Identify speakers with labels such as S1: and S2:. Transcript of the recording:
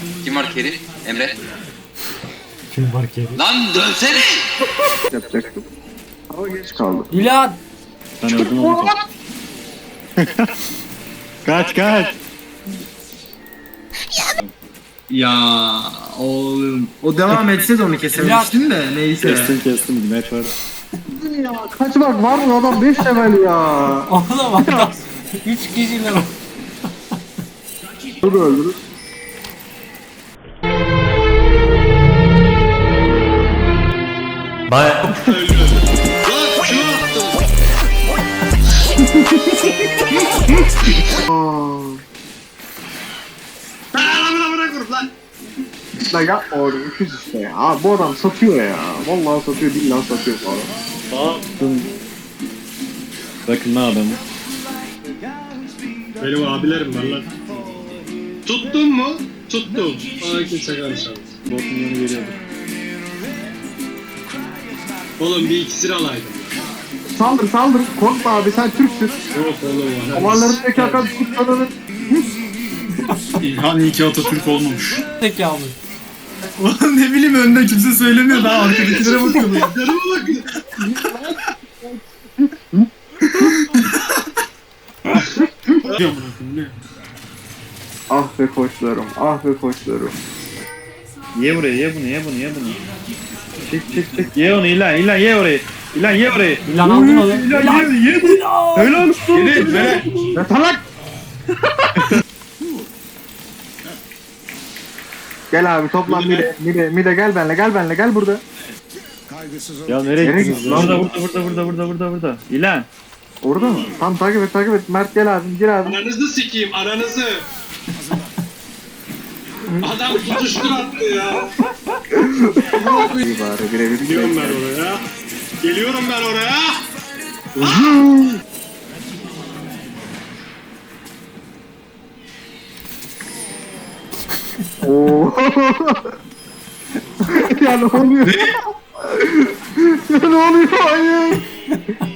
S1: Kim var Kerim? Emre.
S2: Kim var ki?
S1: Lan dönsene!
S3: Yapacaktım. Ama geç kaldım.
S2: İlan!
S4: Ben öldüm onu. Kaç kaç.
S5: Ya oğlum. O devam etse de onu kesemiştin de neyse.
S4: Kestim güneş var.
S3: Ya kaçmak var mı adam 5 level ya.
S2: Oğlum adam 3 kişiyle bak.
S3: Dur öldürür. La ya oğlum öküz işte ya. Abi bu adam satıyor ya. Vallahi satıyor, billahi satıyor falan.
S4: Bakın ne adamı.
S5: Benim abilerim var lan. Tuttun mu? Tuttum. Aa kimse karışamaz.
S4: Botun yanı geliyordu.
S5: Oğlum bir iksir alaydım.
S3: Saldır saldır. Korkma abi sen Türksün.
S5: Yok oğlum.
S3: Damarlarındaki akan kutlananın.
S5: İlhan iyi ki Atatürk olmamış.
S2: Zekalı.
S5: Ulan ne bileyim önden kimse söylemiyor daha arkadakilere bakıyordum. Yanıma bakıyor.
S3: Ah be koçlarım, ah be koçlarım.
S4: Ye buraya ye bunu. Çık. Ye onu İlan ye orayı. İlan ye orayı.
S2: İlan aldın oğlum.
S4: İlan ye. Helal olsun. Yedi.
S3: Ya salak! Gel abi toplan mide gel benle gel burada.
S4: Ya nereye
S3: Nereye
S4: gidiyorsun?
S3: gidiyorsun?
S4: Burada. İlan.
S3: Orada mı? Tam takip et. Mert gel abi gir abi.
S5: Aranızı sikeyim aranızı. Adam tutuştur attı ya.
S3: İyi bari birebir.
S5: Geliyorum ben oraya. Geliyorum ben oraya.
S3: Oo. Ya ne oluyor? Ya ne oluyor? Hayır.